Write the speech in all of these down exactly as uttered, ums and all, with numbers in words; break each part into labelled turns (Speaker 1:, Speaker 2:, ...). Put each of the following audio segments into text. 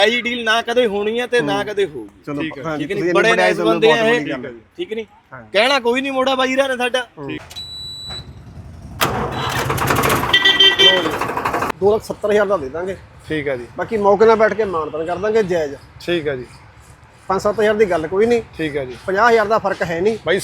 Speaker 1: ਆਈ deal ਨਾ ਕਦੇ ਹੋਣੀ ਹੈ ਤੇ ਨਾ ਕਦੇ ਹੋਊਗੀ।
Speaker 2: ਚਲੋ
Speaker 1: ਠੀਕ ਹੈ ਨਹੀਂ, ਬੜੇ ਨਾਈਸ ਬੰਦੇ ਆ ਇਹ, ਠੀਕ ਨਹੀਂ, ਕਹਿਣਾ ਕੋਈ ਨਹੀਂ, ਮੋੜਾ ਬਾਈ ਰਾ ਨੇ ਸਾਡਾ।
Speaker 2: ਦੋ ਲੱਖ ਸੱਤਰ ਹਜ਼ਾਰ ਦਾ ਦੇ ਦਾਂਗੇ।
Speaker 3: ਠੀਕ ਹੈ ਜੀ,
Speaker 2: ਬਾਕੀ ਮੌਕੇ ਨਾਲ ਬੈਠ ਕੇ ਮਾਨਤਾਨ ਕਰ ਦਾਂਗੇ ਜਾਇਜ਼।
Speaker 3: ਠੀਕ ਹੈ ਜੀ,
Speaker 2: ਪੰਜ ਸੱਤ ਹਜ਼ਾਰ ਦੀ ਗੱਲ ਕੋਈ ਨਹੀਂ।
Speaker 3: ਠੀਕ ਹੈ ਜੀ,
Speaker 2: ਪੰਜਾਹ ਹਜ਼ਾਰ ਦਾ ਫਰਕ ਹੈ ਨਹੀਂ
Speaker 3: ਬਾਈ।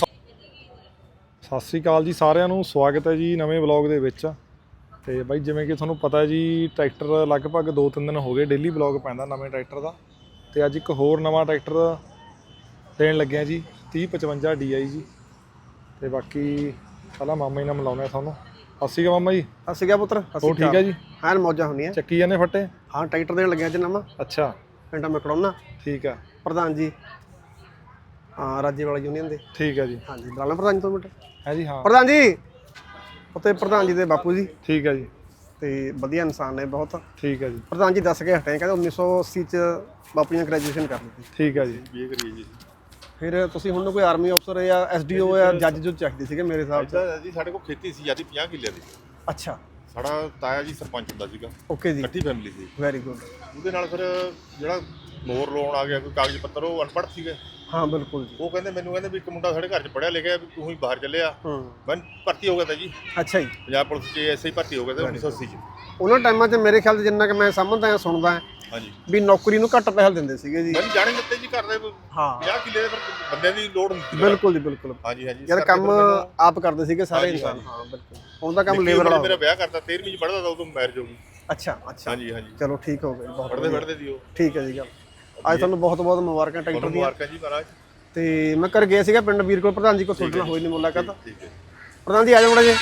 Speaker 3: ਸਤਿ ਸ੍ਰੀ ਅਕਾਲ ਜੀ ਸਾਰਿਆਂ ਨੂੰ, ਸਵਾਗਤ ਹੈ ਜੀ ਨਵੇਂ ਵਲੌਗ ਦੇ ਵਿੱਚ। ਤੇ ਬਾਈ ਜਿਵੇਂ ਕਿ ਤੁਹਾਨੂੰ ਪਤਾ ਹੈ ਜੀ, ਟਰੈਕਟਰ ਲਗਭਗ ਦੋ ਤਿੰਨ ਦਿਨ ਹੋ ਗਏ ਡੇਲੀ ਵਲੌਗ ਪੈਂਦਾ ਨਵੇਂ ਟਰੈਕਟਰ ਦਾ। ਤੇ ਅੱਜ ਇੱਕ ਹੋਰ ਨਵਾਂ ਟਰੈਕਟਰ ਦੇਣ ਲੱਗਿਆ ਜੀ, ਤੀਹ ਪਚਵੰਜਾ ਡੀ ਆਈ ਜੀ। ਤੇ ਬਾਕੀ ਪਹਿਲਾਂ ਮਾਮਾ ਜੀ ਨਾਲ ਮਿਲਾਉਂਦੇ ਤੁਹਾਨੂੰ। ਸਤਿ ਸ਼੍ਰੀ ਅਕਾਲ ਮਾਮਾ ਜੀ।
Speaker 2: ਸਤਿ ਸ਼੍ਰੀ ਅਕਾਲ ਪੁੱਤਰ।
Speaker 3: ਹੋਰ ਠੀਕ ਹੈ ਜੀ?
Speaker 2: ਹਾਂ ਮੌਜਾਂ ਹੁੰਦੀਆਂ,
Speaker 3: ਚੱਕੀ ਜਾਂਦੇ ਫੱਟੇ।
Speaker 2: ਹਾਂ ਟਰੈਕਟਰ ਦੇਣ ਲੱਗਿਆ ਜੀ ਨਵਾਂ।
Speaker 3: ਅੱਛਾ,
Speaker 2: ਪਿੰਡ ਮਕੜੋਨਾ।
Speaker 3: ਠੀਕ ਹੈ,
Speaker 2: ਪ੍ਰਧਾਨ ਜੀ ਹਾਂ ਰਾਜੇ ਵਾਲਾ ਯੂਨੀਅਨ ਦੇ।
Speaker 3: ਠੀਕ ਹੈ ਜੀ,
Speaker 2: ਹਾਂਜੀ ਬੁਲਾ ਲਾਂ ਪ੍ਰਧਾਨ ਜੀ ਤੋਂ ਮਿੰਟ।
Speaker 3: ਹੈ ਜੀ, ਹਾਂ
Speaker 2: ਪ੍ਰਧਾਨ ਜੀ ਉੱਤੇ ਪ੍ਰਧਾਨ ਜੀ ਦੇ ਬਾਪੂ ਜੀ।
Speaker 3: ਠੀਕ ਹੈ ਜੀ,
Speaker 2: ਤੇ ਵਧੀਆ ਇਨਸਾਨ ਨੇ ਬਹੁਤ।
Speaker 3: ਠੀਕ ਹੈ ਜੀ।
Speaker 2: ਪ੍ਰਧਾਨ ਜੀ ਦੱਸ ਕੇ ਹਟੇ, ਕਹਿੰਦੇ ਉੱਨੀ ਸੌ ਅੱਸੀ ਚ ਬਾਪੂ ਜੀ ਨੇ ਗ੍ਰੈਜੂਏਸ਼ਨ ਕਰ ਲਈ।
Speaker 3: ਠੀਕ ਹੈ ਜੀ,
Speaker 1: ਇਹ ਕਰੀਏ ਜੀ।
Speaker 2: ਫਿਰ ਤੁਸੀਂ ਹੁਣ ਕੋਈ ਆਰਮੀ ਅਫਸਰ ਜਾਂ ਐਸ ਡੀ ਓ ਜਾਂ ਜੱਜ ਜੋ ਚਾਹੀਦੇ ਸੀਗੇ ਮੇਰੇ ਹਿਸਾਬ ਚ
Speaker 4: ਜੀ। ਸਾਡੇ ਕੋਲ ਖੇਤੀ ਸੀ ਜਿਆਦੀ ਪੰਜਾਹ ਕਿੱਲੇ ਦੀ।
Speaker 2: ਅੱਛਾ,
Speaker 4: ਸਾਡਾ ਤਾਇਆ ਜੀ ਸਰਪੰਚ ਹੁੰਦਾ ਸੀਗਾ।
Speaker 2: ਓਕੇ ਜੀ,
Speaker 4: ਇਕੱਠੀ ਫੈਮਿਲੀ ਸੀ।
Speaker 2: Very good.
Speaker 4: ਉਹਦੇ ਨਾਲ ਫਿਰ ਜਿਹੜਾ ਮੋਰ ਲੋਨ ਆ ਗਿਆ, ਕੋਈ ਕਾਗਜ਼ ਪੱਤਰ, ਉਹ ਅਨਪੜ੍ਹ ਸੀਗੇ।
Speaker 2: ਹਾਂ ਬਿਲਕੁਲ ਜੀ।
Speaker 4: ਉਹ ਕਹਿੰਦੇ ਮੈਨੂੰ ਕਹਿੰਦੇ ਵੀ ਇੱਕ ਮੁੰਡਾ ਸਾਡੇ ਘਰ 'ਚ ਪੜ੍ਹਿਆ ਲਿਖਿਆ, ਵੀ ਤੂੰ ਹੀ ਬਾਹਰ ਚੱਲਿਆ।
Speaker 2: ਹੂੰ,
Speaker 4: ਮੈਂ ਭਰਤੀ ਹੋ ਗਿਆ ਤਾਂ ਜੀ
Speaker 2: ਅੱਛਾ ਜੀ।
Speaker 4: ਪੰਜਾਬ ਪੁਲਿਸ 'ਚ ਐਸ ਆਈ ਭਰਤੀ ਹੋ ਗਿਆ ਤਾਂ ਉੱਨੀ ਸੌ ਅੱਸੀ 'ਚ।
Speaker 2: ਉਹਨਾਂ ਟਾਈਮਾਂ 'ਚ ਮੇਰੇ ਖਿਆਲ 'ਚ ਜਿੰਨਾ ਕਿ ਮੈਂ ਸਮਝਦਾ ਹਾਂ ਸੁਣਦਾ ਹਾਂ
Speaker 4: ਹਾਂਜੀ,
Speaker 2: ਵੀ ਨੌਕਰੀ ਨੂੰ ਘੱਟ ਪੈਸੇ ਦਿੰਦੇ ਸੀਗੇ ਜੀ।
Speaker 4: ਮੈਨੂੰ ਜਾਣੇ ਦਿੱਤੇ ਜੀ, ਘਰ ਦੇ
Speaker 2: ਹਾਂ
Speaker 4: ਪੰਜਾਹ ਕਿੱਲੇ ਦੇ ਬੰਦਿਆਂ ਦੀ ਲੋੜ ਹੁੰਦੀ ਸੀ।
Speaker 2: ਬਿਲਕੁਲ ਜੀ ਬਿਲਕੁਲ।
Speaker 4: ਹਾਂਜੀ ਹਾਂਜੀ,
Speaker 2: ਯਾਰ ਕੰਮ ਆਪ ਕਰਦੇ ਸੀਗੇ ਸਾਰੇ ਇਨਸਾਨ। ਹਾਂ ਬਿਲਕੁਲ, ਉਹਦਾ ਕੰਮ ਲੇਬਰ ਵਾਲਾ।
Speaker 4: ਮੇਰਾ ਵਿਆਹ ਕਰਤਾ, ਤੇਰਵੀਂ 'ਚ ਪੜ੍ਹਦਾ ਤਾਂ ਉਦੋਂ ਮੈਰਿਜ ਹੋ ਗਈ।
Speaker 2: ਅੱਛਾ ਅੱਛਾ,
Speaker 4: ਹਾਂਜੀ ਹਾਂਜੀ,
Speaker 2: ਚਲੋ ਠੀਕ ਹੋ ਗਿਆ, ਬਹੁਤ
Speaker 4: ਪੜ੍ਹਦੇ ਪੜ੍ਹਦੇ ਦੀ ਉਹ।
Speaker 2: ਠੀਕ ਹੈ ਜੀ ਗੱਲ। ਅੱਜ ਤੁਹਾਨੂੰ ਬਹੁਤ ਬਹੁਤ ਮੁਬਾਰਕਾਂ ਟਰੈਕਟਰ ਦੀਆਂ।
Speaker 4: ਮੁਬਾਰਕਾਂ ਜੀ ਮਹਾਰਾਜ।
Speaker 2: ਤੇ ਮੈਂ ਕਰ ਗਿਆ ਸੀਗਾ ਪਿੰਡ ਵੀਰ ਕੋਲ, ਪ੍ਰਧਾਨ ਜੀ ਕੋਲ ਤੁਹਾਡੇ ਨਾਲ ਹੋਈ ਨਹੀਂ ਮੁਲਾਕਾਤ।
Speaker 4: ਠੀਕ ਹੈ
Speaker 2: ਪ੍ਰਧਾਨ ਜੀ ਆ ਜਾਓ ਮੜਾ ਜੀ,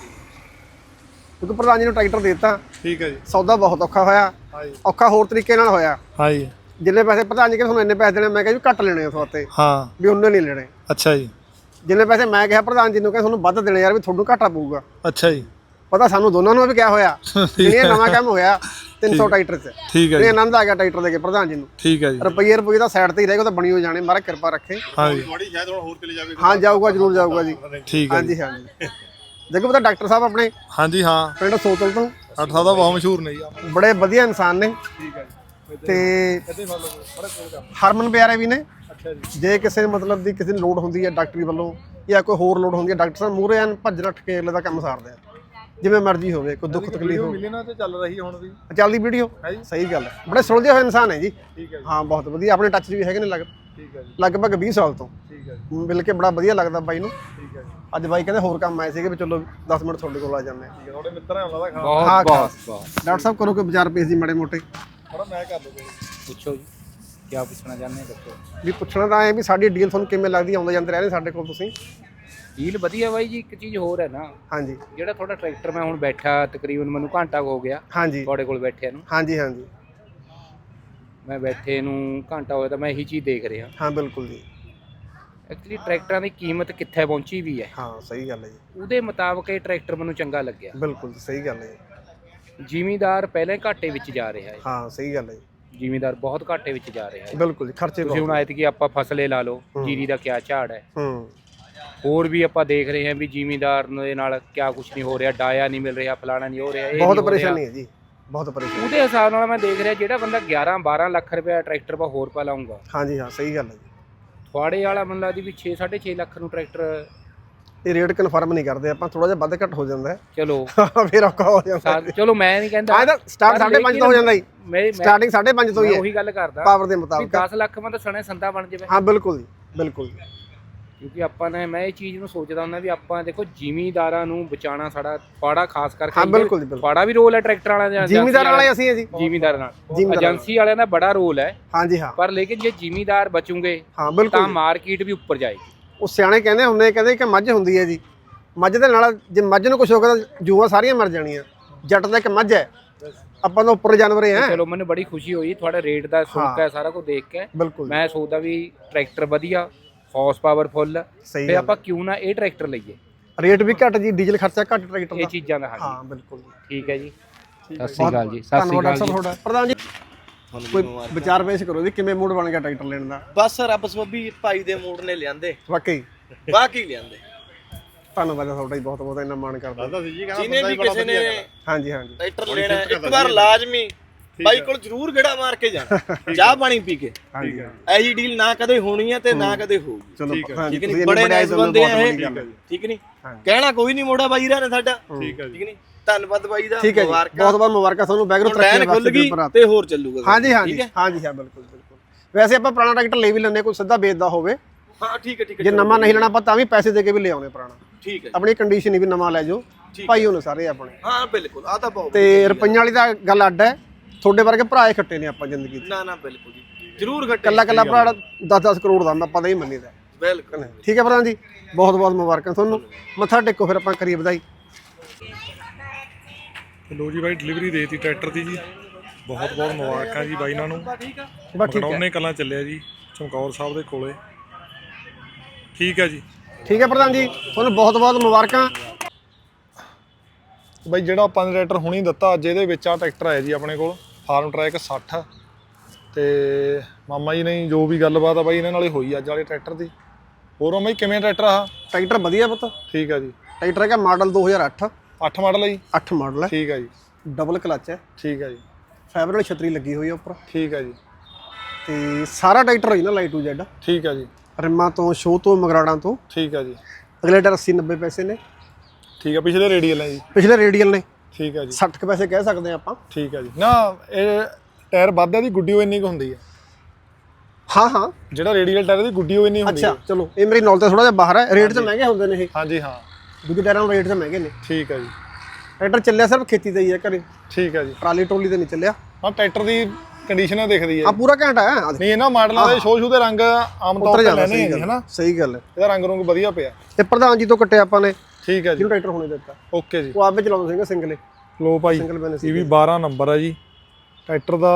Speaker 2: ਕਿਉਂਕਿ ਪ੍ਰਧਾਨ ਜੀ ਨੂੰ ਟਰੈਕਟਰ ਦੇ ਦਿੱਤਾ।
Speaker 3: ਠੀਕ ਹੈ ਜੀ,
Speaker 2: ਸੌਦਾ ਬਹੁਤ ਔਖਾ ਹੋਇਆ।
Speaker 3: ਹਾਂਜੀ
Speaker 2: ਔਖਾ ਹੋਰ ਤਰੀਕੇ ਨਾਲ ਹੋਇਆ।
Speaker 3: ਹਾਂਜੀ,
Speaker 2: ਜਿੰਨੇ ਪੈਸੇ ਪ੍ਰਧਾਨ ਜੀ ਕਹਿੰਦੇ ਤੁਹਾਨੂੰ ਇੰਨੇ ਪੈਸੇ ਦੇਣੇ, ਮੈਂ ਕਿਹਾ ਜੀ ਘੱਟ ਲੈਣੇ ਉਸ ਵਾਸਤੇ,
Speaker 3: ਹਾਂ
Speaker 2: ਵੀ ਉਹਨੇ ਨਹੀਂ ਲੈਣੇ।
Speaker 3: ਅੱਛਾ ਜੀ,
Speaker 2: ਜਿੰਨੇ ਪੈਸੇ ਮੈਂ ਕਿਹਾ ਪ੍ਰਧਾਨ ਜੀ ਨੂੰ ਕਹਿੰਦੇ ਤੁਹਾਨੂੰ ਵੱਧ ਦੇਣੇ ਯਾਰ, ਵੀ ਤੁਹਾਨੂੰ ਘਾਟਾ ਪਊਗਾ।
Speaker 3: ਅੱਛਾ ਜੀ,
Speaker 2: ਪਤਾ ਸਾਨੂੰ ਦੋਨਾਂ ਨੂੰ ਵੀ ਕਿਆ ਹੋਇਆ। ਇਹ ਨਵਾਂ ਕੰਮ ਹੋਇਆ ਤਿੰਨ ਸੌ ਟਰੈਕਟਰ 'ਚ।
Speaker 3: ਠੀਕ ਹੈ
Speaker 2: ਇਹ
Speaker 3: ਜੀ,
Speaker 2: ਆਨੰਦ ਆ ਗਿਆ ਟਰੈਕਟਰ ਦੇ ਕੇ ਪ੍ਰਧਾਨ ਜੀ ਨੂੰ।
Speaker 3: ਠੀਕ ਹੈ ਜੀ,
Speaker 2: ਰੁਪਈਏ ਰੁਪਈਏ ਤਾਂ ਸਾਈਡ ਤੇ ਹੀ ਰਹੇਗਾ, ਤਾਂ ਬਣੀ ਹੋ ਜਾਣੇ, ਮਹਾਰਾਜ ਕਿਰਪਾ ਰੱਖੇ।
Speaker 3: ਹਾਂਜੀ
Speaker 4: ਥੋੜੀ ਸ਼ਾਇਦ ਹੁਣ ਹੋਰ ਚਲੇ ਜਾਵੇ।
Speaker 2: ਹਾਂ ਜਾਊਗਾ, ਜ਼ਰੂਰ ਜਾਊਗਾ ਜੀ।
Speaker 3: ਠੀਕ ਹੈ
Speaker 2: ਹਾਂਜੀ ਹਾਂਜੀ। ਦੇਖੋ ਪਤਾ ਡਾਕਟਰ ਸਾਹਿਬ ਆਪਣੇ
Speaker 3: ਹਾਂਜੀ, ਹਾਂ
Speaker 2: ਪਿੰਡ ਸੋਤਲ ਤੋਂ
Speaker 3: ਅੱਠ ਸੌ ਦਾ ਬਹੁਤ ਮਸ਼ਹੂਰ ਨੇ ਜੀ।
Speaker 2: ਬੜੇ ਵਧੀਆ ਇਨਸਾਨ ਨੇ।
Speaker 3: ਠੀਕ ਹੈ ਜੀ,
Speaker 2: ਤੇ
Speaker 3: ਕਦੇ ਮੰਨ ਲਓ ਬੜਾ ਕੋਲ ਕੰਮ।
Speaker 2: ਹਰਮਨ ਪਿਆਰੇ ਵੀ ਨੇ।
Speaker 3: ਅੱਛਾ ਜੀ,
Speaker 2: ਜੇ ਕਿਸੇ ਮਤਲਬ ਦੀ ਕਿਸੇ ਨੂੰ ਲੋੜ ਹੁੰਦੀ ਹੈ ਡਾਕਟਰੀ ਵੱਲੋਂ ਜਾਂ ਕੋਈ ਹੋਰ ਲੋੜ ਹੁੰਦੀ ਹੈ, ਡਾਕਟਰ ਸਾਹਿਬ ਮੂਹਰੇ ਐਨ ਭੱਜ ਨੱਠ ਕੇ ਅਗਲੇ ਦਾ ਕੰਮ ਸਾਰਦੇ ਆ, ਜਿਵੇਂ ਮਰਜ਼ੀ ਹੋਵੇ, ਕੋਈ ਦੁੱਖ ਤਕਲੀਫ ਹੋਵੇ।
Speaker 3: ਮਿਲਣਾ ਤੇ ਚੱਲ ਰਹੀ ਹੁਣ ਵੀ
Speaker 2: ਚੱਲਦੀ ਵੀਡੀਓ
Speaker 3: ਹੈ ਜੀ।
Speaker 2: ਸਹੀ ਗੱਲ ਹੈ, ਬੜੇ ਸੁਲਝੇ ਹੋਏ ਇਨਸਾਨ ਹੈ ਜੀ।
Speaker 3: ਠੀਕ ਹੈ ਜੀ,
Speaker 2: ਹਾਂ ਬਹੁਤ ਵਧੀਆ, ਆਪਣੇ ਟੱਚ 'ਚ ਵੀ ਹੈਗੇ ਨੇ ਲਗ
Speaker 3: ਠੀਕ ਹੈ ਜੀ,
Speaker 2: ਲਗਭਗ ਵੀਹ ਸਾਲ ਤੋਂ।
Speaker 3: ਠੀਕ ਹੈ ਜੀ,
Speaker 2: ਮਿਲ ਕੇ ਬੜਾ ਵਧੀਆ ਲੱਗਦਾ ਬਾਈ ਨੂੰ।
Speaker 3: ਠੀਕ ਹੈ ਜੀ,
Speaker 2: ਅੱਜ ਬਾਈ ਕਹਿੰਦੇ ਹੋਰ ਕੰਮ ਆਏ ਸੀਗੇ, ਵੀ ਚਲੋ ਦਸ ਮਿੰਟ ਤੁਹਾਡੇ ਕੋਲ ਆ ਜਾਂਦੇ ਆ।
Speaker 3: ਠੀਕ ਹੈ। ਤੁਹਾਡੇ ਮਿੱਤਰ ਹੈ ਉਹਨਾਂ ਦਾ ਖਾਣਾ
Speaker 2: ਹਾਂ ਬਹੁਤ ਡਾਕਟਰ ਸਾਹਿਬ ਕਰੋ ਕੋਈ ਵਿਚਾਰ ਪੇਸ਼ ਜੀ ਮਾੜੇ ਮੋਟੇ।
Speaker 3: ਥੋੜਾ ਮੈਂ ਕਰ ਲਵਾਂਗਾ।
Speaker 5: ਪੁੱਛੋ ਜੀ, ਕੀ ਪੁੱਛਣਾ ਚਾਹੁੰਦੇ ਦੱਸੋ।
Speaker 2: ਵੀ ਪੁੱਛਣਾ ਤਾਂ ਐ ਵੀ ਸਾਡੀ ਡੀਲ ਤੁਹਾਨੂੰ ਕਿਵੇਂ ਲੱਗਦੀ, ਆਉਂਦੇ ਜਾਂਦੇ ਰਹਿੰਦੇ ਸਾਡੇ ਕੋਲ ਤੁਸੀਂ।
Speaker 5: ਡੀਲ ਵਧੀਆ ਬਾਈ ਜੀ। ਇੱਕ ਚੀਜ਼ ਹੋਰ ਹੈ ਨਾ,
Speaker 2: ਹਾਂਜੀ
Speaker 5: ਜਿਹੜਾ ਤੁਹਾਡਾ ਟਰੈਕਟਰ ਮੈਂ ਹੁਣ ਬੈਠਾ ਤਕਰੀਬਨ ਮੈਨੂੰ ਘੰਟਾ ਹੋ ਗਿਆ
Speaker 2: ਹਾਂਜੀ
Speaker 5: ਤੁਹਾਡੇ ਕੋਲ ਬੈਠਿਆ ਨੂੰ।
Speaker 2: ਹਾਂਜੀ ਹਾਂਜੀ
Speaker 5: ਮੈਂ ਬੈਠੇ ਨੂੰ ਘੰਟਾ ਹੋਇਆ ਤਾਂ ਮੈਂ ਇਹੀ ਚੀਜ਼ ਦੇਖ ਰਿਹਾ।
Speaker 2: ਹਾਂ ਬਿਲਕੁਲ ਜੀ।
Speaker 5: ਐਕਚੁਅਲੀ ਟਰੈਕਟਰਾਂ ਦੀ ਕੀਮਤ ਕਿੱਥੇ ਪਹੁੰਚੀ ਵੀ ਹੈ,
Speaker 2: ਹਾਂ ਸਹੀ ਗੱਲ ਹੈ ਜੀ,
Speaker 5: ਉਹਦੇ ਮੁਤਾਬਕ ਇਹ ਟਰੈਕਟਰ ਮੈਨੂੰ ਚੰਗਾ ਲੱਗਿਆ।
Speaker 2: ਬਿਲਕੁਲ ਜੀ ਸਹੀ ਗੱਲ ਹੈ ਜੀ।
Speaker 5: ਜ਼ਿਮੀਂਦਾਰ ਪਹਿਲਾਂ ਹੀ ਘਾਟੇ ਵਿੱਚ ਜਾ ਰਿਹਾ ਹੈ।
Speaker 2: ਹਾਂ ਸਹੀ ਗੱਲ ਹੈ ਜੀ,
Speaker 5: ਜ਼ਿਮੀਂਦਾਰ ਬਹੁਤ ਘਾਟੇ ਵਿੱਚ ਜਾ ਰਿਹਾ ਹੈ।
Speaker 2: ਬਿਲਕੁਲ ਜੀ, ਖਰਚੇ
Speaker 5: ਤੁਸੀਂ ਹੁਣ
Speaker 2: ਬਹੁਤ।
Speaker 5: ਆਇਤ ਕਿ ਆਪਾਂ ਫਸਲੇ ਲਾ ਲਓ, ਜੀਰੀ ਦਾ ਕਿਆ ਝਾੜ ਹੈ।
Speaker 2: ਹੂੰ
Speaker 5: ਹੋਰ ਵੀ ਆਪਾਂ ਦੇਖ ਰਹੇ ਹਾਂ ਵੀ ਜ਼ਿਮੀਂਦਾਰ ਦੇ ਨਾਲ ਕਿਆ ਕੁਝ ਨਹੀਂ ਹੋ ਰਿਹਾ, ਡਾਇਆ ਨਹੀਂ ਮਿਲ ਰਿਹਾ, ਫਲਾਣਾ ਨਹੀਂ ਹੋ ਰਿਹਾ, ਇਹ
Speaker 2: ਬਹੁਤ
Speaker 5: ਨਹੀਂ ਹੋ ਰਿਹਾ।
Speaker 2: ਪਰੇਸ਼ਾਨੀ ਹੈ ਜੀ, ਬਹੁਤ ਪਰੇਸ਼ਾਨੀ।
Speaker 5: ਉਹਦੇ ਹਿਸਾਬ ਨਾਲ ਮੈਂ ਦੇਖ ਰਿਹਾ ਜਿਹੜਾ ਬੰਦਾ ਗਿਆਰਾਂ ਬਾਰਾਂ ਲੱਖ ਰੁਪਏ ਟਰੈਕਟਰ ਪਾ ਹੋਰ ਪਾ ਲਾਊਂਗਾ,
Speaker 2: ਹਾਂਜੀ ਹਾਂ ਸਹੀ ਗੱਲ ਹੈ ਜੀ।
Speaker 5: ਥਵਾੜੇ ਵਾਲਾ ਬੰਦਾ ਲੱਗਦੀ ਵੀ ਛੇ ਸਾਢੇ ਛੇ ਲੱਖ ਨੂੰ ਟਰੈਕਟਰ।
Speaker 2: ਇਹ ਰੇਟ ਕਨਫਰਮ ਨਹੀਂ ਕਰਦੇ ਆਪਾਂ, ਥੋੜਾ ਜਿਹਾ ਵੱਧ ਘੱਟ ਹੋ ਜਾਂਦਾ ਹੈ।
Speaker 5: ਚਲੋ
Speaker 2: ਫਿਰ ਔਖਾ ਹੋ ਜਾਂਦਾ।
Speaker 5: ਸਾ- ਚਲੋ ਮੈਂ ਨਹੀਂ ਕਹਿੰਦਾ
Speaker 2: ਆਹ ਤਾਂ ਸਟਾਰਟ ਸਾਢੇ ਪੰਜ ਤੋਂ ਹੋ ਜਾਂਦਾ ਜੀ,
Speaker 5: ਮੈਂ
Speaker 2: ਸਟਾਰਟਿੰਗ ਸਾਢੇ ਪੰਜ ਤੋਂ ਹੀ ਹੈ
Speaker 5: ਉਹੀ ਗੱਲ ਕਰਦਾ
Speaker 2: ਪਾਵਰ ਦੇ
Speaker 5: ਵੀ
Speaker 2: ਮੁਤਾਬਕ।
Speaker 5: ਦਸ ਲੱਖ ਮੈਂ ਤਾਂ ਸੁਣਿਆ ਸੰਦਾ ਬਣ ਜਾਵੇ।
Speaker 2: ਹਾਂ ਬਿਲਕੁਲ ਜੀ ਬਿਲਕੁਲ ਜੀ।
Speaker 5: ਕਿਉਂਕਿ ਆਪਾਂ ਨੇ ਮੈਂ ਇਹ ਚੀਜ਼ ਨੂੰ ਸੋਚਦਾ ਹੁੰਦਾ ਵੀ ਆਪਾਂ ਦੇਖੋ ਜ਼ਿਮੀਂਦਾਰਾਂ ਨੂੰ ਬਚਾਉਣਾ ਸਾਡਾ ਪਾੜਾ ਖਾਸ ਕਰਕੇ।
Speaker 2: ਹਾਂ ਬਿਲਕੁਲ ਜੀ ਬਿਲਕੁਲ।
Speaker 5: ਪਾੜਾ ਵੀ ਰੋਲ ਹੈ ਟਰੈਕਟਰ ਵਾਲਿਆਂ ਦਾ,
Speaker 2: ਜ਼ਿਮੀਂਦਾਰ ਵਾਲੇ ਅਸੀਂ ਹੈ ਜੀ।
Speaker 5: ਜ਼ਿਮੀਂਦਾਰ ਨਾਲ
Speaker 2: ਜ਼ਿਮੀਂਦਾਰ
Speaker 5: ਏਜੰਸੀ ਵਾਲਿਆਂ ਦਾ ਬੜਾ ਰੋਲ ਹੈ।
Speaker 2: ਹਾਂਜੀ ਹਾਂ
Speaker 5: ਪਰ ਲੇਕਿਨ ਜੇ ਜ਼ਿਮੀਂਦਾਰ ਬਚੂਗੇ
Speaker 2: ਹਾਂ ਬਿਲਕੁਲ
Speaker 5: ਤਾਂ
Speaker 2: ਜੀ।
Speaker 5: ਮਾਰਕੀਟ ਵੀ ਉੱਪਰ ਜਾਏਗੀ।
Speaker 2: ਉਹ ਸਿਆਣੇ ਕਹਿੰਦੇ ਹੁੰਦੇ ਕਹਿੰਦੇ ਕਿ ਮੱਝ ਹੁੰਦੀ ਹੈ ਜੀ, ਮੱਝ ਦੇ ਨਾਲ ਜੇ ਮੱਝ ਨੂੰ ਕੁਝ ਹੋ ਗਿਆ ਤਾਂ ਜੂਆਂ ਸਾਰੀਆਂ ਮਰ ਜਾਣੀਆਂ। ਜੱਟ ਦਾ ਇੱਕ ਮੱਝ ਹੈ, ਆਪਾਂ ਤਾਂ ਉੱਪਰ ਜਾਨਵਰ ਹੈ।
Speaker 5: ਚਲੋ ਮੈਨੂੰ ਬੜੀ ਖੁਸ਼ੀ ਹੋਈ ਤੁਹਾਡਾ ਰੇਟ ਦਾ ਸੁਣ ਕੇ, ਸਾਰਾ ਕੁਝ ਦੇਖ ਕੇ।
Speaker 2: ਬਿਲਕੁਲ
Speaker 5: ਮੈਂ ਸੋਚਦਾ ਵੀ ਟਰੈਕਟਰ ਵਧੀਆ, ਹਾਰਸ ਪਾਵਰ ਫੁੱਲ,
Speaker 2: ਸਹੀ
Speaker 5: ਤੇ ਆਪਾਂ ਕਿਉਂ ਨਾ ਇਹ ਟਰੈਕਟਰ ਲਈਏ।
Speaker 2: ਰੇਟ ਵੀ ਘੱਟ ਜੀ, ਡੀਜ਼ਲ ਖਰਚਾ ਘੱਟ ਟਰੈਕਟਰ ਦਾ।
Speaker 5: ਇਹ ਚੀਜ਼ਾਂ ਦਾ।
Speaker 2: ਹਾਂ ਬਿਲਕੁਲ ਜੀ।
Speaker 5: ਠੀਕ ਹੈ ਜੀ, ਸਤਿ ਸ਼੍ਰੀ ਅਕਾਲ ਜੀ। ਸਤਿ ਸ਼੍ਰੀ
Speaker 2: ਧੰਨਵਾਦ
Speaker 5: ਅਕਾਲ
Speaker 2: ਡਾਕਟਰ ਸਾਹਿਬ ਤੁਹਾਡਾ। ਪ੍ਰਧਾਨ ਜੀ ਕੋਈ ਵਿਚਾਰ ਪੇਸ਼ ਕਰੋ ਵੀ ਕਿਵੇਂ ਮੂਡ ਬਣ ਗਿਆ ਟਰੈਕਟਰ ਲੈਣ ਦਾ।
Speaker 1: ਬਸ ਰੱਬ ਸੋਭੀ ਭਾਈ ਦੇ ਮੂਡ ਨੇ ਲਿਆਂਦੇ,
Speaker 2: ਵਾਕਈ
Speaker 1: ਵਾਕਈ ਲਿਆਂਦੇ।
Speaker 2: ਧੰਨਵਾਦ ਤੁਹਾਡਾ ਜੀ, ਬਹੁਤ ਬਹੁਤ ਇੰਨਾ ਮਾਣ ਕਰਦਾ।
Speaker 4: ਦੱਸਦਾ ਸੀ ਜੀ,
Speaker 1: ਜਿਹਨੇ ਵੀ ਕਿਸੇ ਨੇ
Speaker 2: ਹਾਂਜੀ ਹਾਂਜੀ
Speaker 1: ਟਰੈਕਟਰ ਲੈਣਾ ਇੱਕ ਵਾਰ ਲਾਜ਼ਮੀ ਬਾਈ ਕੋਲ ਜ਼ਰੂਰ ਗੇੜਾ ਮਾਰ ਕੇ ਜਾਣਾ ਚਾਹ ਪਾਣੀ ਪੀ ਕੇ।
Speaker 2: ਹਾਂਜੀ
Speaker 1: ਐਜੀ ਡੀਲ ਨਾ ਕਦੇ ਹੋਣੀ ਹੈ ਤੇ ਨਾ ਕਦੇ ਹੋਊਗੀ।
Speaker 2: ਚਲੋ
Speaker 1: ਠੀਕ ਨਹੀਂ, ਬੜੇ ਨਾਈਸ ਬੰਦੇ ਆ ਇਹ। ਠੀਕ ਨਹੀਂ, ਕਹਿਣਾ ਕੋਈ ਨਹੀਂ ਮੋੜਾ ਬਾਈ ਰਾ ਨੇ ਸਾਡਾ। ਠੀਕ ਹੈ, ਠੀਕ ਨਹੀਂ, ਧੰਨਵਾਦ ਬਾਈ ਦਾ,
Speaker 2: ਠੀਕ ਹੈ ਜੀ, ਬਹੁਤ ਬਹੁਤ ਮੁਬਾਰਕਾਂ ਤੁਹਾਨੂੰ, ਬੈਕਗ੍ਰਾਉਂਡ
Speaker 1: ਟ੍ਰੈਨ ਖੁੱਲ ਗਈ ਤੇ ਹੋਰ ਚੱਲੂਗਾ।
Speaker 2: ਹਾਂਜੀ ਹਾਂਜੀ ਹਾਂਜੀ ਹਾਂ ਬਿਲਕੁਲ ਬਿਲਕੁਲ। ਵੈਸੇ ਆਪਾਂ ਪੁਰਾਣਾ ਟਰੈਕਟਰ ਲੈ ਵੀ ਲੈਂਦੇ, ਕੋਈ ਸਿੱਧਾ ਵੇਚਦਾ ਹੋਵੇ।
Speaker 1: ਹਾਂ ਠੀਕ ਹੈ ਠੀਕ ਹੈ,
Speaker 2: ਜੇ ਨਵਾਂ ਨਹੀਂ ਲੈਣਾ ਆਪਾਂ ਤਾਂ ਵੀ ਪੈਸੇ ਦੇ ਕੇ ਵੀ ਲੈ ਆਉਣੇ ਪੁਰਾਣਾ।
Speaker 1: ਠੀਕ ਹੈ,
Speaker 2: ਆਪਣੀ ਕੰਡੀਸ਼ਨ ਹੀ ਵੀ ਨਵਾਂ ਲੈ ਜਾਓ ਭਾਈ, ਉਹਨੇ ਸਾਰੇ ਆਪਣੇ।
Speaker 1: ਹਾਂ ਬਿਲਕੁਲ, ਆ ਤਾਂ ਬਹੁਤ
Speaker 2: ਤੇ ਰੁਪਈਆਂ ਵਾਲੀ ਤਾਂ ਗੱਲ ਅੱਡ ਹੈ, ਤੁਹਾਡੇ ਵਰਗੇ ਭਰਾ ਖੱਟੇ ਨੇ ਆਪਾਂ ਜ਼ਿੰਦਗੀ 'ਚ।
Speaker 1: ਨਾ ਨਾ ਬਿਲਕੁਲ ਜੀ, ਜ਼ਰੂਰ ਘਟੇ।
Speaker 2: ਕੱਲਾ ਕੱਲਾ ਭਰਾ ਦਸ ਦਸ ਕਰੋੜ ਦਾ ਆਪਾਂ ਤਾਂ ਹੀ ਮੰਨੀਦਾ।
Speaker 1: ਬਿਲਕੁਲ
Speaker 2: ਠੀਕ ਹੈ ਪ੍ਰਧਾਨ ਜੀ, ਬਹੁਤ ਬਹੁਤ ਮੁਬਾਰਕਾਂ ਤੁਹਾਨੂੰ। ਮੱਥਾ ਟੇਕੋ ਫਿਰ ਆਪਾਂ ਕਰੀਏ ਵਧਾਈ।
Speaker 3: ਲੋ ਜੀ ਬਾਈ ਡਿਲੀਵਰੀ ਦੇਤੀ ਟਰੈਕਟਰ ਦੀ ਜੀ, ਬਹੁਤ ਬਹੁਤ ਮੁਬਾਰਕਾਂ ਜੀ ਬਾਈ ਇਹਨਾਂ ਨੂੰ।
Speaker 2: ਬਸ ਠੀਕ ਹੈ,
Speaker 3: ਮਕੜੌਨੇ ਕਲਾਂ ਚੱਲਿਆ ਜੀ, ਚਮਕੌਰ ਸਾਹਿਬ ਦੇ ਕੋਲੇ। ਠੀਕ ਹੈ ਜੀ,
Speaker 2: ਠੀਕ ਹੈ ਪ੍ਰਧਾਨ ਜੀ, ਤੁਹਾਨੂੰ ਬਹੁਤ ਬਹੁਤ ਮੁਬਾਰਕਾਂ।
Speaker 3: ਬਾਈ ਜਿਹੜਾ ਆਪਾਂ ਨੇ ਟਰੈਕਟਰ ਹੁਣੀ ਦਿੱਤਾ ਅੱਜ, ਇਹਦੇ ਵਿੱਚ ਆ ਟਰੈਕਟਰ ਆਇਆ ਜੀ ਆਪਣੇ ਕੋਲ ਫਾਰਮ ਟਰੈਕ ਸੱਠ। ਤੇ ਮਾਮਾ ਜੀ ਨੇ ਜੋ ਵੀ ਗੱਲਬਾਤ ਆ ਬਾਈ ਇਹਨਾਂ ਨਾਲ ਹੀ ਹੋਈ ਅੱਜ ਵਾਲੇ ਟਰੈਕਟਰ ਦੀ। ਹੋਰ ਮਾਮਾ ਜੀ ਕਿਵੇਂ ਟਰੈਕਟਰ ਆ?
Speaker 2: ਟਰੈਕਟਰ ਵਧੀਆ ਪੁੱਤ।
Speaker 3: ਠੀਕ ਹੈ ਜੀ,
Speaker 2: ਟਰੈਕਟਰ ਹੈਗਾ ਮਾਡਲ ਦੋ ਹਜ਼ਾਰ ਅੱਠ।
Speaker 3: ਅੱਠ ਮਾਡਲ ਹੈ ਜੀ?
Speaker 2: ਅੱਠ ਮਾਡਲ ਹੈ।
Speaker 3: ਠੀਕ ਹੈ ਜੀ,
Speaker 2: ਡਬਲ ਕਲਚ ਹੈ।
Speaker 3: ਠੀਕ ਹੈ ਜੀ,
Speaker 2: ਫਾਈਬਰ ਵਾਲੀ ਛਤਰੀ ਲੱਗੀ ਹੋਈ ਹੈ ਉੱਪਰ।
Speaker 3: ਠੀਕ ਹੈ ਜੀ,
Speaker 2: ਤੇ ਸਾਰਾ ਟਰੈਕਟਰ ਹੋਈ ਨਾ ਲਾਈਟ ਟੂ ਜ਼ੈਡ।
Speaker 3: ਠੀਕ ਹੈ ਜੀ,
Speaker 2: ਰਿਮਾਂ ਤੋਂ, ਸ਼ੋਅ ਤੋਂ, ਮਗਰਾੜਾਂ ਤੋਂ।
Speaker 3: ਠੀਕ ਹੈ ਜੀ,
Speaker 2: ਅਗਲੇ ਟਾਇਰ ਅੱਸੀ ਨੱਬੇ ਪੈਸੇ ਨੇ।
Speaker 3: ਠੀਕ ਹੈ, ਪਿਛਲੇ ਰੇਡੀਅਲ ਹੈ ਜੀ?
Speaker 2: ਪਿਛਲੇ ਰੇਡੀਅਲ ਨੇ।
Speaker 3: ਠੀਕ ਹੈ ਜੀ,
Speaker 2: ਸੱਠ ਕੁ ਪੈਸੇ ਕਹਿ ਸਕਦੇ ਆ ਆਪਾਂ।
Speaker 3: ਠੀਕ ਹੈ ਜੀ। ਨਾ ਇਹ ਟਾਇਰ ਵੱਧਦਾ ਦੀ ਗੁੱਡੀ ਉਹ ਇੰਨੀ ਕੁ ਹੁੰਦੀ ਹੈ?
Speaker 2: ਹਾਂ ਹਾਂ,
Speaker 3: ਜਿਹੜਾ ਰੇਡੀਅਲ ਟਾਇਰ ਦੀ ਗੁੱਡੀ ਉਹ ਇੰਨੀ ਹੁੰਦੀ ਹੈ?
Speaker 2: ਅੱਛਾ ਚਲੋ, ਇਹ ਮੇਰੀ ਨੌਲੇਜ ਤੋਂ ਥੋੜਾ ਜਿਹਾ ਬਾਹਰ ਹੈ। ਰੇਟ ਤਾਂ ਮਹਿੰਗੇ ਹੁੰਦੇ ਨੇ ਇਹ।
Speaker 3: ਹਾਂਜੀ ਹਾਂ,
Speaker 2: ਦੂਜੇ ਟਾਇਰਾਂ ਨੂੰ ਰੇਟ ਤਾਂ ਮਹਿੰਗੇ ਨੇ।
Speaker 3: ਠੀਕ ਹੈ ਜੀ।
Speaker 2: ਟਰੈਕਟਰ ਚੱਲਿਆ ਸਿਰਫ ਖੇਤੀ ਦਾ ਹੀ ਹੈ ਘਰੇ,
Speaker 3: ਠੀਕ ਹੈ ਜੀ।
Speaker 2: ਟਰਾਲੀ ਟੋਲੀ ਤੇ ਨਹੀਂ ਚੱਲਿਆ।
Speaker 3: ਹਾਂ, ਟਰੈਕਟਰ ਦੀ ਕੰਡੀਸ਼ਨ ਦਿਖਦੀ ਹੈ
Speaker 2: ਆ ਪੂਰਾ ਘੰਟਾ ਹੈ।
Speaker 3: ਨਹੀਂ, ਇਹਨਾਂ ਮਾਡਲਾਂ ਦੇ ਸ਼ੋਅ ਸ਼ੂ ਦੇ ਰੰਗ ਆਮ ਤੌਰ ਤੇ ਲੈਣੇ ਹੈ ਹਨਾ?
Speaker 2: ਸਹੀ ਗੱਲ ਹੈ,
Speaker 3: ਇਹਦਾ ਰੰਗ ਰੁੰਗ ਵਧੀਆ ਪਿਆ।
Speaker 2: ਤੇ ਪ੍ਰਧਾਨ ਜੀ ਤੋਂ ਕੱਟਿਆ ਆਪਾਂ ਨੇ।
Speaker 3: ਠੀਕ ਹੈ ਜੀ,
Speaker 2: ਜਿਹਨੂੰ ਟਰੈਕਟਰ ਹੋਣੇ ਦਿੱਤਾ।
Speaker 3: ਓਕੇ ਜੀ।
Speaker 2: ਉਹ ਆਪੇ ਚਲਾਉਂਦੇ ਸੀਗੇ ਸਿੰਗਲੇ।
Speaker 3: ਲੋ ਭਾਈ,
Speaker 2: ਸਿੰਗਲ ਬੈਲੈਂਸ
Speaker 3: ਇਹ ਵੀ ਬਾਰਾਂ ਨੰਬਰ ਹੈ ਜੀ ਟਰੈਕਟਰ ਦਾ।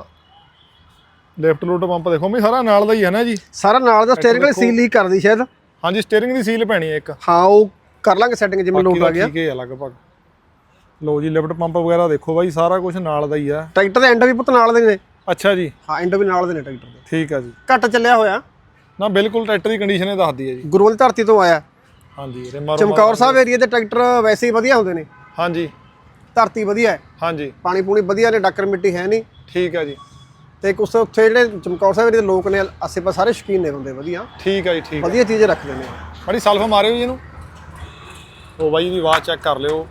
Speaker 3: ਲੈਫਟ ਲੋਡ ਪੰਪ ਦੇਖੋ ਵੀ ਸਾਰਾ ਨਾਲ ਦਾ ਹੀ ਹੈ ਨਾ ਜੀ? ਸਾਰਾ
Speaker 2: ਨਾਲ ਦਾ। ਸਟੀਅਰਿੰਗ ਵਾਲੀ ਸੀਲ ਲੀਕ ਕਰਦੀ ਸ਼ਾਇਦ।
Speaker 3: ਹਾਂਜੀ, ਸਟੀਅਰਿੰਗ ਦੀ ਸੀਲ ਪੈਣੀ ਹੈ ਇੱਕ।
Speaker 2: ਹਾਂ, ਉਹ ਕਰ ਲਾਂਗੇ ਸੈਟਿੰਗ ਜਿਵੇਂ ਲੋਡ ਆ ਗਿਆ।
Speaker 3: ਠੀਕ ਹੈ ਲਗਭਗ। ਲੋ ਜੀ, ਲਿਫਟ ਪੰਪ ਵਗੈਰਾ ਦੇਖੋ ਬਾਈ, ਸਾਰਾ ਕੁਝ ਨਾਲ ਦਾ ਹੀ ਆ।
Speaker 2: ਟਰੈਕਟਰ ਦੇ ਐਂਡ ਵੀ ਪੁੱਤ ਨਾਲ ਦੇ ਨੇ।
Speaker 3: ਅੱਛਾ ਜੀ,
Speaker 2: ਹਾਂ, ਐਂਡ ਵੀ ਨਾਲ ਦੇ ਨੇ ਟਰੈਕਟਰ ਦੇ।
Speaker 3: ਠੀਕ ਹੈ ਜੀ।
Speaker 2: ਘੱਟ ਚੱਲਿਆ ਹੋਇਆ
Speaker 3: ਨਾ ਬਿਲਕੁਲ, ਟਰੈਕਟਰ ਦੀ ਕੰਡੀਸ਼ਨ ਇਹ ਦੱਸਦੀ ਹੈ ਜੀ।
Speaker 2: ਗੁਰੂਵਾਲ ਧਰਤੀ ਤੋਂ ਆਇਆ।
Speaker 3: ਹਾਂਜੀ, ਰਿਮਾਰੋ
Speaker 2: ਚਮਕੌਰ ਸਾਹਿਬ ਏਰੀਆ ਦੇ ਟਰੈਕਟਰ ਵੈਸੇ ਹੀ ਵਧੀਆ ਹੁੰਦੇ ਨੇ।
Speaker 3: ਹਾਂਜੀ,
Speaker 2: ਧਰਤੀ ਵਧੀਆ ਹੈ,
Speaker 3: ਹਾਂਜੀ,
Speaker 2: ਪਾਣੀ ਪੂਣੀ ਵਧੀਆ ਨੇ, ਡੱਕਰ ਮਿੱਟੀ ਹੈ ਨਹੀਂ।
Speaker 3: ਠੀਕ ਹੈ ਜੀ।
Speaker 2: ਤੇ ਕੁਛ ਉੱਥੇ ਜਿਹੜੇ ਚਮਕੌਰ ਸਾਹਿਬ ਏਰੀਆ ਦੇ ਲੋਕ ਨੇ, ਆਸੇ ਪਾਸੇ ਸਾਰੇ ਸ਼ੌਕੀਨ ਨੇ ਬੰਦੇ ਵਧੀਆ।
Speaker 3: ਠੀਕ ਹੈ ਜੀ, ਠੀਕ।
Speaker 2: ਵਧੀਆ ਚੀਜ਼ ਰੱਖਦੇ ਨੇ।
Speaker 3: ਬੜੀ ਸਲਫ ਮਾਰਿਓ ਜੀ ਇਹਨੂੰ। ਉਹ ਬਾਈ ਦੀ ਆਵਾਜ਼ ਚੈੱਕ ਕਰ ਲਿਓ।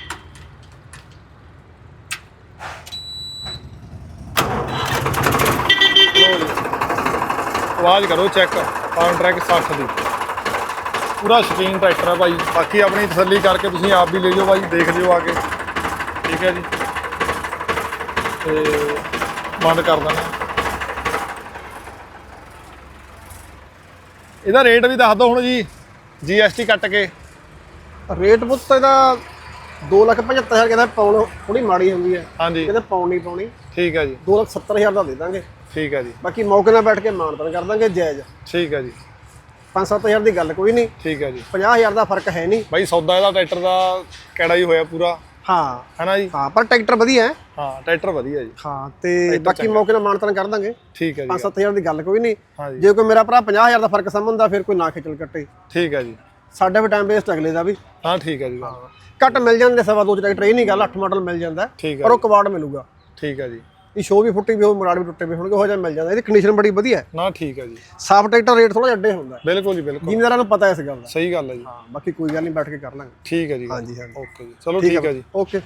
Speaker 3: ਆਵਾਜ਼ ਕਰੋ ਚੈੱਕ। ਫਾਰਮ ਟਰੈਕ ਸੱਠ ਦੀ ਪੂਰਾ ਸ਼ੌਕੀਨ ਟਰੈਕਟਰ ਹੈ ਭਾਈ। ਬਾਕੀ ਆਪਣੀ ਤਸੱਲੀ ਕਰਕੇ ਤੁਸੀਂ ਆਪ ਵੀ ਲੈ ਜਾਓ ਭਾਈ, ਦੇਖ ਲਿਓ ਆ ਕੇ। ਠੀਕ ਹੈ ਜੀ, ਤੇ ਬੰਦ ਕਰ ਦੇਣਾ। ਇਹਦਾ ਰੇਟ ਵੀ ਦੱਸ ਦਿਓ ਹੁਣ ਜੀ, ਜੀ ਐਸ ਟੀ ਕੱਟ ਕੇ।
Speaker 2: ਰੇਟ ਪੁੱਤ ਇਹਦਾ ਦੋ ਲੱਖ ਪਝੱਤਰ ਹਜ਼ਾਰ ਕਹਿੰਦਾ। ਪਾਉਣ ਥੋੜੀ ਮਾੜੀ ਹੁੰਦੀ ਹੈ।
Speaker 3: ਹਾਂਜੀ,
Speaker 2: ਕਹਿੰਦੇ ਪਾਉਣ ਨਹੀਂ ਪਾਉਣੀ।
Speaker 3: ਠੀਕ ਹੈ ਜੀ।
Speaker 2: ਦੋ ਲੱਖ ਸੱਤਰ ਹਜ਼ਾਰ ਦਾ ਦੇ ਦਾਂਗੇ।
Speaker 3: ਠੀਕ ਹੈ ਜੀ,
Speaker 2: ਬਾਕੀ ਮੌਕੇ ਨਾਲ ਬੈਠ ਕੇ ਮਾਨਤਾਨ ਕਰ ਦਾਂਗੇ ਜਾਇਜ਼।
Speaker 3: ਠੀਕ ਹੈ ਜੀ।
Speaker 2: ਪੰਜ ਸੱਤ ਹਜ਼ਾਰ ਦੀ ਗੱਲ ਕੋਈ ਨਹੀਂ।
Speaker 3: ਠੀਕ ਹੈ ਜੀ।
Speaker 2: ਪੰਜਾਹ ਹਜ਼ਾਰ ਦਾ ਫਰਕ ਹੈ ਨਹੀਂ
Speaker 3: ਬਾਈ। ਸੌਦਾ ਇਹਦਾ ਟਰੈਕਟਰ ਦਾ ਕਿਹੜਾ ਹੀ ਹੋਇਆ ਪੂਰਾ।
Speaker 2: ਹਾਂ,
Speaker 3: ਹੈਨਾ ਜੀ?
Speaker 2: ਹਾਂ, ਪਰ ਟਰੈਕਟਰ ਵਧੀਆ ਹੈ।
Speaker 3: ਹਾਂ, ਟਰੈਕਟਰ ਵਧੀਆ ਜੀ।
Speaker 2: ਹਾਂ, ਤੇ ਬਾਕੀ ਮੌਕੇ ਨਾਲ ਮਾਨਤਾਨ ਕਰ ਦਾਂਗੇ।
Speaker 3: ਠੀਕ ਹੈ ਜੀ।
Speaker 2: ਪੰਜ ਸੱਤ ਹਜ਼ਾਰ ਦੀ ਗੱਲ ਕੋਈ ਨਹੀਂ।
Speaker 3: ਹਾਂਜੀ,
Speaker 2: ਜੇ ਕੋਈ ਮੇਰਾ ਭਰਾ ਪੰਜਾਹ ਹਜ਼ਾਰ ਦਾ ਫਰਕ ਸਮਝਦਾ ਫਿਰ ਕੋਈ ਨਾ ਖੇਚਲ ਕੱਟੇ।
Speaker 3: ਠੀਕ ਹੈ ਜੀ।
Speaker 2: ਸਾਡੇ ਵੀ ਟਾਈਮ ਵੇਸਟ ਅਗਲੇ ਦਾ ਵੀ।
Speaker 3: ਹਾਂ, ਠੀਕ ਹੈ ਜੀ।
Speaker 2: ਘੱਟ ਮਿਲ ਜਾਂਦੇ ਸਵਾ ਦੋ ਚ ਟਰੈਕਟਰ, ਇਹ ਨਹੀਂ ਗੱਲ। ਅੱਠ ਮਾਡਲ ਮਿਲ ਜਾਂਦਾ,
Speaker 3: ਠੀਕ
Speaker 2: ਪਰ
Speaker 3: ਹੈ
Speaker 2: ਉਹ ਕਵਾੜ ਮਿਲੂਗਾ।
Speaker 3: ਠੀਕ ਹੈ ਜੀ।
Speaker 2: ਇਹ ਸ਼ੋਅ ਵੀ ਫੁੱਟੀ ਵੀ ਹੋ, ਮਰਾੜ ਵੀ ਟੁੱਟੇ ਵੀ ਹੋਣਗੇ, ਹੋ ਜਾ ਮਿਲ ਜਾਂਦਾ। ਇਹਦੀ ਕੰਡੀਸ਼ਨ ਬੜੀ ਵਧੀਆ ਹੈ
Speaker 3: ਨਾ। ਠੀਕ ਹੈ ਜੀ।
Speaker 2: ਸਾਫ ਟਰੈਕਟਰ ਰੇਟ ਥੋੜਾ ਜਿਹਾ ਅੱਡੇ ਹੁੰਦਾ।
Speaker 3: ਬਿਲਕੁਲ ਜੀ, ਬਿਲਕੁਲ।
Speaker 2: ਜ਼ਿਮੀਂਦਾਰਾਂ ਨੂੰ ਪਤਾ ਇਸ ਗੱਲ ਦਾ।
Speaker 3: ਸਹੀ ਗੱਲ ਹੈ ਜੀ।
Speaker 2: ਹਾਂ, ਬਾਕੀ ਕੋਈ ਗੱਲ ਨਹੀਂ, ਬੈਠ ਕੇ ਕਰ ਲਾਂਗੇ।
Speaker 3: ਠੀਕ ਹੈ ਜੀ।
Speaker 2: ਹਾਂਜੀ ਹਾਂਜੀ,
Speaker 3: ਓਕੇ ਜੀ, ਚਲੋ ਠੀਕ ਹੈ ਜੀ।
Speaker 2: ਓਕੇ।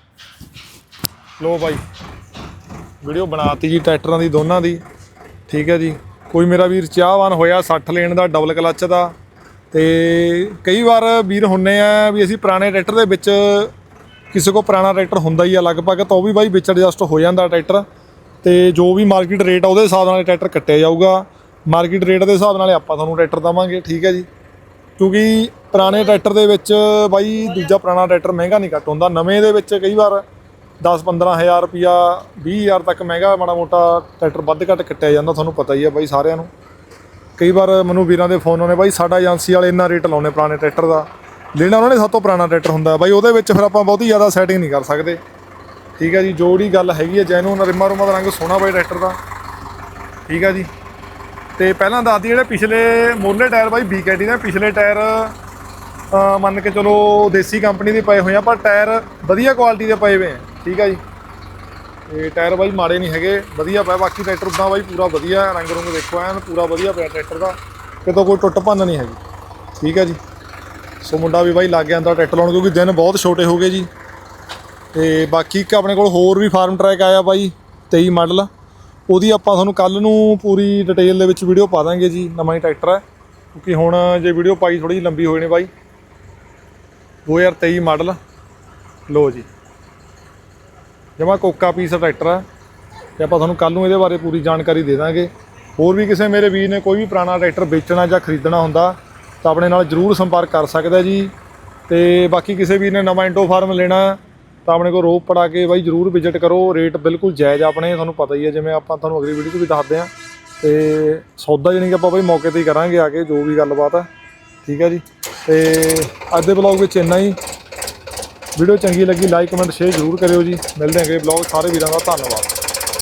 Speaker 3: ਲੋ ਬਾਈ, ਵੀਡੀਓ ਬਣਾਤੀ ਜੀ ਟਰੈਕਟਰਾਂ ਦੀ ਦੋਨਾਂ ਦੀ। ਠੀਕ ਹੈ ਜੀ। ਕੋਈ ਮੇਰਾ ਵੀਰ ਚਾਹਵਾਨ ਹੋਇਆ ਸੱਠ ਲੈਣ ਦਾ, ਡਬਲ ਕਲੱਚ ਦਾ। ਤੇ ਕਈ ਵਾਰ ਵੀਰ ਹੁੰਨੇ ਆ ਵੀ ਅਸੀਂ ਪੁਰਾਣੇ ਟਰੈਕਟਰ ਦੇ ਵਿੱਚ, ਕਿਸੇ ਕੋਲ ਪੁਰਾਣਾ ਟਰੈਕਟਰ ਹੁੰਦਾ ਹੀ ਆ ਲਗਭਗ, ਤਾਂ ਉਹ ਵੀ ਬਾਈ ਵਿੱਚ ਐਡਜਸਟ ਹੋ ਜਾਂਦਾ ਟਰੈਕਟਰ। ਤੇ ਜੋ ਵੀ ਮਾਰਕੀਟ ਰੇਟ ਆ ਉਹਦੇ ਹਿਸਾਬ ਨਾਲ ਟਰੈਕਟਰ ਕੱਟਿਆ ਜਾਊਗਾ। ਮਾਰਕੀਟ ਰੇਟ ਦੇ ਹਿਸਾਬ ਨਾਲ ਆਪਾਂ ਤੁਹਾਨੂੰ ਟਰੈਕਟਰ ਦੇਵਾਂਗੇ। ਠੀਕ ਹੈ ਜੀ। ਕਿਉਂਕਿ ਪੁਰਾਣੇ ਟਰੈਕਟਰ ਦੇ ਵਿੱਚ ਬਾਈ ਦੂਜਾ ਪੁਰਾਣਾ ਟਰੈਕਟਰ ਮਹਿੰਗਾ ਨਹੀਂ ਘੱਟ ਹੁੰਦਾ। ਨਵੇਂ ਦੇ ਵਿੱਚ ਕਈ ਵਾਰ ਦਸ ਪੰਦਰਾਂ ਹਜ਼ਾਰ ਰੁਪਈਆ, ਵੀਹ ਹਜ਼ਾਰ ਤੱਕ ਮਹਿੰਗਾ ਮਾੜਾ ਮੋਟਾ ਟਰੈਕਟਰ ਵੱਧ ਘੱਟ ਕੱਟਿਆ ਜਾਂਦਾ, ਤੁਹਾਨੂੰ ਪਤਾ ਹੀ ਆ ਬਾਈ ਸਾਰਿਆਂ ਨੂੰ। ਕਈ ਵਾਰ ਮੈਨੂੰ ਵੀਰਾਂ ਦੇ ਫੋਨ ਆਉਣੇ, ਬਾਈ ਸਾਡਾ ਏਜੰਸੀ ਵਾਲੇ ਇੰਨਾ ਰੇਟ ਲਾਉਣੇ ਪੁਰਾਣੇ ਟਰੈਕਟਰ ਦਾ। ਲੈਣਾ ਉਹਨਾਂ ਨੇ ਸਭ ਤੋਂ ਪੁਰਾਣਾ ਟਰੈਕਟਰ ਹੁੰਦਾ ਬਾਈ, ਉਹਦੇ ਵਿੱਚ ਫਿਰ ਆਪਾਂ ਬਹੁਤੀ ਜ਼ਿਆਦਾ ਸੈਟਿੰਗ ਨਹੀਂ ਕਰ ਸਕਦੇ। ਠੀਕ ਹੈ ਜੀ। ਜਿਹੜੀ ਗੱਲ ਹੈਗੀ ਹੈ ਜੈਨੂਨ, ਰਿਮਾ ਰੁਮਾ ਦਾ ਰੰਗ ਸੋਹਣਾ ਬਾਈ ਟਰੈਕਟਰ ਦਾ। ਠੀਕ ਹੈ ਜੀ। ਤੇ ਪਹਿਲਾਂ ਦੱਸਦੀ ਜਿਹੜੇ ਪਿਛਲੇ ਮੋਲੇ ਟਾਇਰ ਬਾਈ ਬੀ ਕੇ ਟੀ ਦੇ ਪਿਛਲੇ ਟਾਇਰ ਮੰਨ ਕੇ ਚਲੋ ਦੇਸੀ ਕੰਪਨੀ ਦੇ ਪਏ ਹੋਏ ਆ, ਪਰ ਟਾਇਰ ਵਧੀਆ ਕੁਆਲਿਟੀ ਦੇ ਪਏ ਹੋਏ ਆ। ਠੀਕ ਹੈ ਜੀ। ਤੇ ਟਾਇਰ ਬਾਈ ਮਾੜੇ ਨਹੀਂ ਹੈਗੇ, ਵਧੀਆ ਪਿਆ। ਬਾਕੀ ਟਰੈਕਟਰ ਉਦਾਂ ਬਾਈ ਪੂਰਾ ਵਧੀਆ, ਰੰਗ ਰੁੰਗ ਦੇਖੋ ਐਨ ਪੂਰਾ ਵਧੀਆ ਪਿਆ ਟਰੈਕਟਰ ਦਾ, ਕਿਤੋਂ ਕੋਈ ਟੁੱਟ ਭੰਨ ਨਹੀਂ ਹੈਗੀ। ਠੀਕ ਹੈ ਜੀ, ਸੋ ਮੁੰਡਾ ਵੀ ਬਾਈ ਲੱਗ ਗਿਆ ਅੰਦਰ ਟਰੈਕਟਰ ਲਾਉਣ, ਕਿਉਂਕਿ ਦਿਨ ਬਹੁਤ ਛੋਟੇ ਹੋ ਗਏ ਜੀ। ਤੇ ਬਾਕੀ ਇੱਕ ਆਪਣੇ ਕੋਲ ਹੋਰ ਵੀ ਫਾਰਮ ਟਰੈਕ ਆਇਆ ਬਾਈ ਤੇਈ ਮਾਡਲ, ਉਹਦੀ ਆਪਾਂ ਤੁਹਾਨੂੰ ਕੱਲ੍ਹ ਨੂੰ ਪੂਰੀ ਡਿਟੇਲ ਦੇ ਵਿੱਚ ਵੀਡੀਓ ਪਾ ਦਾਂਗੇ ਜੀ। ਨਵਾਂ ਹੀ ਟਰੈਕਟਰ ਹੈ, ਕਿਉਂਕਿ ਹੁਣ ਜੇ ਵੀਡੀਓ ਪਾਈ ਥੋੜ੍ਹੀ ਜਿਹੀ ਲੰਬੀ ਹੋ ਜਾਣੀ ਬਾਈ। ਦੋ ਹਜ਼ਾਰ ਤੇਈ ਮਾਡਲ ਲੋ ਜੀ, ਜਮਾ ਕੋਕਾ ਪੀਸ ਟਰੈਕਟਰ ਹੈ, ਤੇ ਆਪਾਂ ਤੁਹਾਨੂੰ ਕੱਲ੍ਹ ਨੂੰ ਇਹਦੇ ਬਾਰੇ ਪੂਰੀ ਜਾਣਕਾਰੀ ਦੇ ਦਾਂਗੇ। ਹੋਰ ਵੀ ਕਿਸੇ ਮੇਰੇ ਵੀਰ ਨੇ ਕੋਈ ਵੀ ਪੁਰਾਣਾ ਟਰੈਕਟਰ ਵੇਚਣਾ ਜਾਂ ਖਰੀਦਣਾ ਹੁੰਦਾ ਤਾਂ ਆਪਣੇ ਨਾਲ ਜ਼ਰੂਰ ਸੰਪਰਕ ਕਰ ਸਕਦਾ ਜੀ। ਤੇ ਬਾਕੀ ਕਿਸੇ ਵੀਰ ਨੇ ਨਵਾਂ ਇੰਡੋ ਫਾਰਮ ਲੈਣਾ ਤਾਂ ਆਪਣੇ ਕੋਲ ਰੋਪੜ ਆ ਕੇ ਬਾਈ ਜ਼ਰੂਰ ਵਿਜ਼ਿਟ ਕਰੋ, ਰੇਟ ਬਿਲਕੁਲ ਜਾਇਜ਼ ਆਪਣੇ, ਤੁਹਾਨੂੰ ਪਤਾ ਹੀ ਹੈ ਜਿਵੇਂ ਆਪਾਂ ਤੁਹਾਨੂੰ ਅਗਲੀ ਵੀਡੀਓ 'ਚ ਵੀ ਦੱਸਦੇ ਹਾਂ। ਤੇ ਸੌਦਾ ਜਾਣੀ ਕਿ ਆਪਾਂ ਬਾਈ ਮੌਕੇ 'ਤੇ ਹੀ ਕਰਾਂਗੇ ਆ ਕੇ ਜੋ ਵੀ ਗੱਲਬਾਤ ਹੈ। ਠੀਕ ਹੈ ਜੀ, ਤੇ ਅੱਜ ਦੇ ਬਲੌਗ ਵਿੱਚ ਇੰਨਾ ਹੀ। ਵੀਡੀਓ ਚੰਗੀ ਲੱਗੀ ਲਾਈਕ ਕਮੈਂਟ ਸ਼ੇਅਰ ਜ਼ਰੂਰ ਕਰਿਓ ਜੀ। ਮਿਲਦੇ ਹਾਂ ਅਗਲੇ ਬਲੌਗ, ਸਾਰੇ ਵੀਰਾਂ ਦਾ ਧੰਨਵਾਦ।